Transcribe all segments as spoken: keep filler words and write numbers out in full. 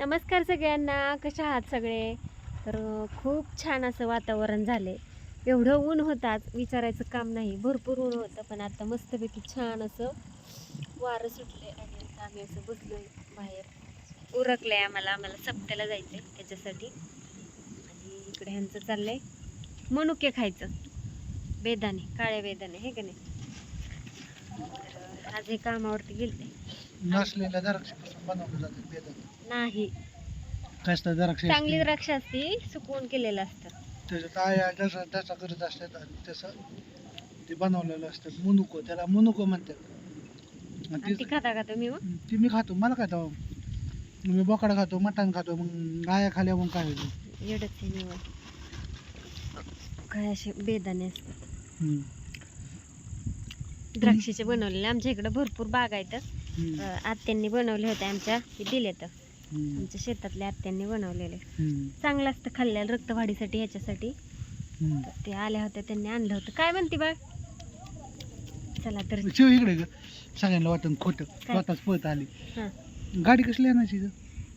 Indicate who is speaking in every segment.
Speaker 1: नमस्कार सगळ्यांना, कशा आहात सगळे? तर खूप छान असं वातावरण झाले. एवढं ऊन होतं आज विचारायचं काम नाही, भरपूर ऊन होतं. पण आता मस्तपैकी छान असं वारं सुटले आणि आता आम्ही असं बसलोय बाहेर. उरकलंय आम्हाला आम्हाला सप्त्याला जायचंय त्याच्यासाठी. आणि इकडे ह्यांचं चाललंय मनुके खायचं, बेदाणे, काळे बेदाणे हे का नाही. तर आज हे कामावरती गेलते.
Speaker 2: नसलेल्या द्राक्षापासून बनवलं जातं बेदाणे.
Speaker 1: नाही,
Speaker 2: कसलं द्राक्ष
Speaker 1: चांगली द्राक्ष असती, सुकवून केलेलं असतं.
Speaker 2: त्याच्यात आया जसं त्याचा करत असतात आणि तसं ते बनवलेलं असतं. मुनुको, त्याला मुनुको म्हणतात. आणि
Speaker 1: आणि ती
Speaker 2: ते-
Speaker 1: खाता खाता मी मग
Speaker 2: ती मी खातो, मला काय तो मी बोकडा खातो, मटण खातो. मग आया खाल्या मग काय होईल.
Speaker 1: एवढंच आहे निवड. काय असे बेदाणे असतात
Speaker 2: हम्म.
Speaker 1: द्राक्षाचे बनवलेले. आमच्या इकडे भरपूर बाग आहेत.
Speaker 2: हम्म.
Speaker 1: अं, आत्यांनी बनवले होते आमच्या, हे दिले तर
Speaker 2: हम्म.
Speaker 1: आमच्या शेतातल्या आत्यांनी बनवलेले.
Speaker 2: हम्म.
Speaker 1: चांगलं असतं खाल्ल्याला, रक्तवाढीसाठी ह्याच्यासाठी.
Speaker 2: हम्म.
Speaker 1: तर ते आल्या होत्या, त्यांनी आणलं होतं. काय म्हणते बाळ? चला तर.
Speaker 2: शिव इकडे ग, सगळ्यांना वाटून खोटं
Speaker 1: काय?
Speaker 2: स्वतःच पळत आली.
Speaker 1: हां,
Speaker 2: गाडी कसली आणायची ग?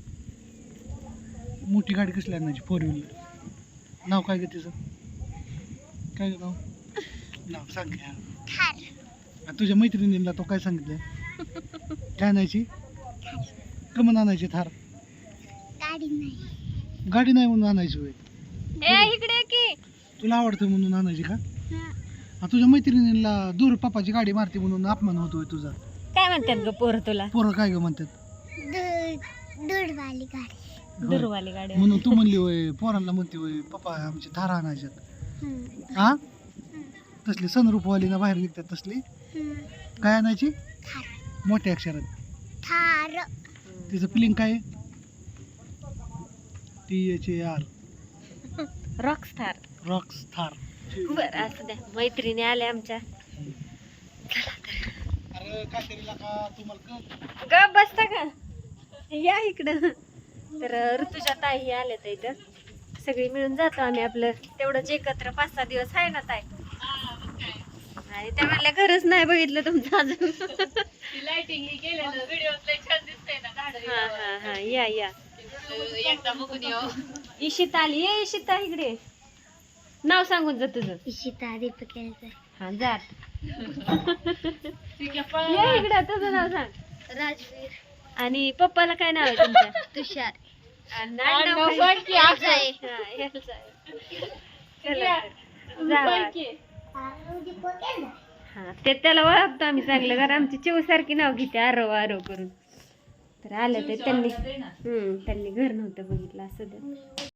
Speaker 2: मोठी गाडी कसली आणायची? Four wheeler. नाव काय ग तिचं? काय ग नाव? नाव सांग की. आणि तुझ्या मैत्रिणीला तो काय सांगितलं? काय आणायची? कमन आणायची थार?
Speaker 3: गाडी नाही.
Speaker 2: गाडी नाही म्हणून आणायची होय?
Speaker 1: ए इकडे ये की.
Speaker 2: तुला आवडतं म्हणून आणायची का? आणि तुझ्या मैत्रिणीला दूर पप्पाची गाडी मारते म्हणून अपमान होतोय तुझा?
Speaker 1: काय म्हणतात ग पोरं तुला?
Speaker 2: पोरं काय ग म्हणतात?
Speaker 3: दूध दूधवाली गाडी.
Speaker 1: दुर्वाली गाडी.
Speaker 2: म्हणून तू म्हणली होय, पोरांना म्हणते होय पप्पा आमची थार आणायच्यात.
Speaker 3: हम्म.
Speaker 2: हा, तसली सनरूपवाली ना बाहेर निघतात तसली.
Speaker 3: हम्म.
Speaker 2: काय आणायची?
Speaker 3: थार.
Speaker 2: मोठ्या अक्षरात.
Speaker 3: थार.
Speaker 2: तिचं फिलिंग काय आहे? T H A R,
Speaker 1: rockstar.
Speaker 2: Rocks Thar.
Speaker 1: बरं असं द्या, मैत्रिणी आल्या आमच्या.
Speaker 2: अरे काटेरीला का तुम्हाला कळ?
Speaker 1: ग बसता का? या इकडं. तर ऋतुजा ताई आल्या तर इथं सगळी मिळून जातो आम्ही आपलं तेवढंच एकत्र. पाच सहा दिवस आहे ना ताई? आणि त्या म्हणल्या घरच नाही बघितलं तुमचं अजून.
Speaker 4: लाइटिंग केलेलं व्हिडिओ लय छान दिसतंय ना झाड.
Speaker 1: हा हा हा या या.
Speaker 4: एकदा बघून येऊ.
Speaker 1: इशिता आली. ये इशिता इकडे. नाव सांगून जा तुझं.
Speaker 3: इशिता दीपक यायचं.
Speaker 1: हा जा.
Speaker 4: ठीक आहे, पळ.
Speaker 1: ये इकडे, तुझं नाव सांग.
Speaker 3: राजवीर.
Speaker 1: आणि पप्पाला काय नाव आहे तुमच्या?
Speaker 3: तुषार.
Speaker 1: आणि
Speaker 4: आणि
Speaker 1: आडनाव
Speaker 4: नाव
Speaker 1: काय?
Speaker 4: सांग की आपलं.
Speaker 1: हा, याचं आहे. चला तर. जा
Speaker 4: सांग
Speaker 1: बाळ.
Speaker 4: की.
Speaker 1: हा, ते त्याला ओळखतो आम्ही चांगलं, कारण आमची चिव सारखी नाव घेते आरव आरव करून. तर आलं ते त्यांनी. हम्म त्यांनी घर नव्हतं बघितलं असं.